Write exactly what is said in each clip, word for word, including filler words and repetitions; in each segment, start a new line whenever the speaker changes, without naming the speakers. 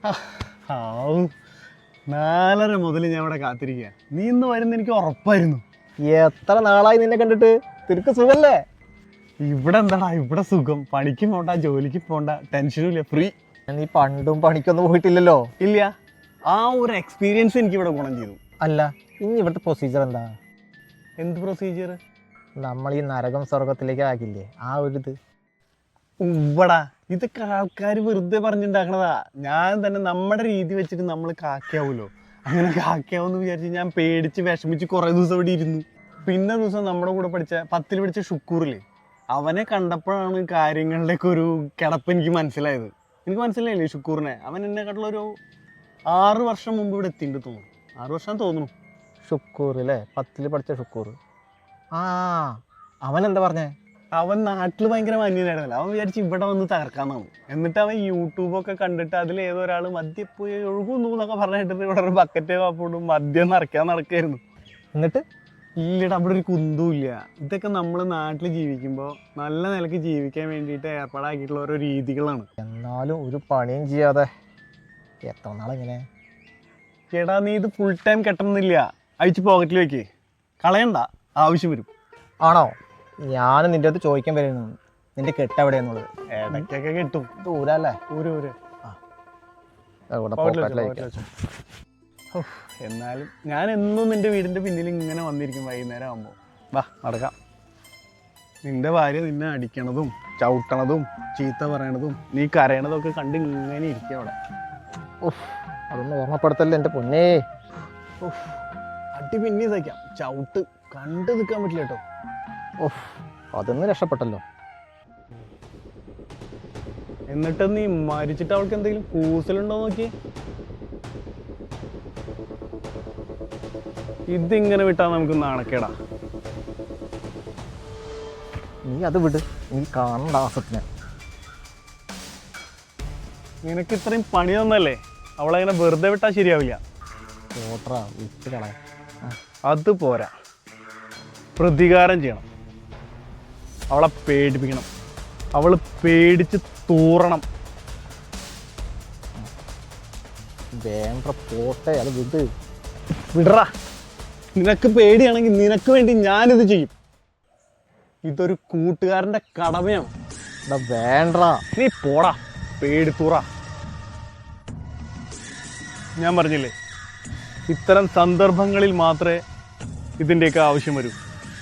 ആവൂ നാലര മുതൽ ഞാൻ ഇവിടെ കാത്തിരിക്കുക. നീ ഇന്ന് വരുന്ന എനിക്ക് ഉറപ്പായിരുന്നു.
എത്ര നാളായി നിന്നെ കണ്ടിട്ട്? തിരുക്ക് സുഖല്ലേ?
ഇവിടെ എന്താടാ ഇവിടെ സുഖം. പണിക്കും പോണ്ട, ജോലിക്ക് പോണ്ട, ടെൻഷനും ഇല്ല, ഫ്രീ.
നീ പണ്ടും പണിക്കൊന്നും പോയിട്ടില്ലല്ലോ.
ഇല്ല, ആ ഒരു എക്സ്പീരിയൻസ് എനിക്ക് ഇവിടെ ഗുണം ചെയ്തു.
അല്ല, ഇനി ഇവിടുത്തെ പ്രൊസീജിയർ എന്താ?
എന്ത് പ്രൊസീജിയർ?
നമ്മൾ ഈ നരകം സ്വർഗത്തിലേക്ക് ആക്കില്ലേ, ആ ഒരു ഇത്.
ഉവ്വടാ, ഇതൊക്കെ ആൾക്കാർ വെറുതെ പറഞ്ഞുണ്ടാക്കണതാ. ഞാൻ തന്നെ നമ്മുടെ രീതി വെച്ചിട്ട് നമ്മൾ കാക്കയാവുമല്ലോ, അങ്ങനെ കാക്കയാവെന്ന് വിചാരിച്ച് ഞാൻ പേടിച്ച് വിഷമിച്ച് കുറേ ദിവസം ഇവിടെ ഇരുന്നു. പിന്നെ ദിവസം നമ്മുടെ കൂടെ പഠിച്ച പത്തിൽ പഠിച്ച ഷുക്കൂറില്ലേ, അവനെ കണ്ടപ്പോഴാണ് കാര്യങ്ങളിലേക്ക് ഒരു കിടപ്പ് എനിക്ക് മനസ്സിലായത്. എനിക്ക് മനസ്സിലായില്ലേ ഷുക്കൂറിനെ? അവൻ എന്നെക്കാട്ടുള്ള ഒരു ആറ് വർഷം മുമ്പ് ഇവിടെ എത്തിയിട്ട് തോന്നുന്നു. ആറ് വർഷം തോന്നുന്നു.
ഷുക്കൂർ അല്ലേ, പത്തിൽ പഠിച്ച ഷുക്കൂർ. ആ, അവൻ എന്താ പറഞ്ഞേ?
അവൻ നാട്ടിൽ ഭയങ്കര മാന്യനായിരുന്നല്ലോ. അവൻ വിചാരിച്ച് ഇവിടെ വന്ന് തകർക്കാന്നാണ്. എന്നിട്ട് അവൻ യൂട്യൂബൊക്കെ കണ്ടിട്ട് അതിൽ ഏതൊരാൾ മദ്യം പോയി ഒഴുകുന്നു എന്നൊക്കെ പറഞ്ഞിട്ട് ഇവിടെ ഒരു ബക്കറ്റ് കാപ്പോടും മദ്യം നിറയ്ക്കാൻ നടക്കായിരുന്നു.
എന്നിട്ട്
ഇല്ലടാ, അവിടെ ഒരു കുന്തും ഇല്ല. ഇതൊക്കെ നമ്മൾ നാട്ടിൽ ജീവിക്കുമ്പോൾ നല്ല നിലയ്ക്ക് ജീവിക്കാൻ വേണ്ടിയിട്ട് ഏർപ്പാടാക്കിയിട്ടുള്ള ഓരോ രീതികളാണ്.
എന്നാലും ഒരു പണിയും ചെയ്യാതെ എത്ര നാളെങ്ങനെ?
ചേട്ടാ, നീ ഇത് ഫുൾ ടൈം കെട്ടണമെന്നില്ല. അഴിച്ച് പോക്കറ്റിൽ വെക്കേ, കളയണ്ട, ആവശ്യം വരും.
ആണോ? ഞാൻ നിന്റെ അടുത്ത് ചോദിക്കാൻ വരുന്നു, നിന്റെ കെട്ട് എവിടെയാന്നുള്ളത്.
ഇടയ്ക്കൊക്കെ കിട്ടും.
ദൂരല്ലേ?
ഊര് ഊര്. എന്നാലും ഞാൻ എന്നും നിന്റെ വീടിന്റെ പിന്നിൽ ഇങ്ങനെ വന്നിരിക്കും വൈകുന്നേരം ആകുമ്പോൾ. വാ നടക്കാം. നിന്റെ ഭാര്യ നിന്നെ അടിക്കണതും ചവിട്ടണതും ചീത്ത പറയണതും നീ കരയണതും ഒക്കെ കണ്ട് ഇങ്ങനെ ഇരിക്കുക അവിടെ.
ഓഹ്, അതൊന്നും ഓർമ്മപ്പെടുത്തല്ലേ എൻ്റെ പൊന്നേ.
ഓഹ്, അടി പിന്നെ സഹിക്കാം, ചവിട്ട് കണ്ടു നിൽക്കാൻ പറ്റില്ല കേട്ടോ.
ഓഹ്, അതൊന്നും രക്ഷപ്പെട്ടല്ലോ.
എന്നിട്ട് നീ മരിച്ചിട്ട് അവൾക്ക് എന്തെങ്കിലും കൂസലുണ്ടോ നോക്കി. ഇതിങ്ങനെ വിട്ടാ നമുക്ക് നാണക്കേടാ.
നീ അത് വിട്, നീ കാണണ്ട ആസത്തിനെ.
നിനക്ക് ഇത്രയും പണി തന്നല്ലേ, അവളങ്ങനെ വെറുതെ വിട്ടാൽ ശരിയാവില്ല.
ഓട്ടറാ വിട്ട് കളയാ.
അത് പോരാ, പ്രതികാരം ചെയ്യണം. അവളെ പേടിപ്പിക്കണം. അവള് പേടിച്ച് തൂറണം.
വേണ്ട പോട്ടെ, അത് വിട്.
വിടറാ. നിനക്ക് പേടിയാണെങ്കിൽ നിനക്ക് വേണ്ടി ഞാനിത് ചെയ്യും. ഇതൊരു കൂട്ടുകാരന്റെ കടമയാണ്.
വേണ്ട,
നീ പോടാ പേടിത്തൂറ. ഞാൻ പറഞ്ഞില്ലേ, ഇത്തരം സന്ദർഭങ്ങളിൽ മാത്രമേ ഇതിൻ്റെയൊക്കെ ആവശ്യം വരൂ.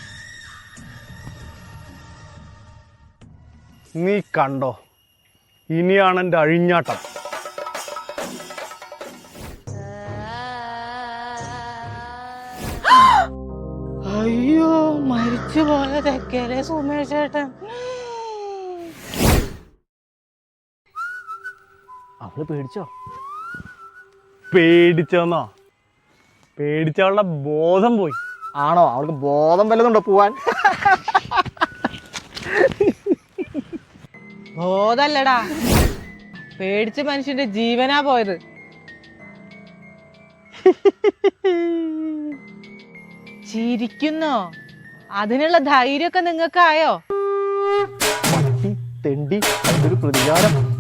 നീ കണ്ടോ, ഇനിയാണ് എൻ്റെ അഴിഞ്ഞാട്ടം.
അയ്യോ, മരിച്ചു പോയ തെക്കേലെ സുമേഷ് ചേട്ടൻ.
അവള് പേടിച്ചോ?
പേടിച്ചോന്നോ? പേടിച്ചവളുടെ ബോധം പോയി.
ആണോ? അവൾക്ക് ബോധം വല്ലതുണ്ടോ പോവാൻ?
ബോധല്ലടാ, പേടിച്ച് മനുഷ്യന്റെ ജീവനാ പോയത്. ചിരിക്കുന്നോ? അതിനുള്ള ധൈര്യമൊക്കെ നിങ്ങൾക്കായോ?
തെണ്ടി, അതൊരു പ്രതികാരം.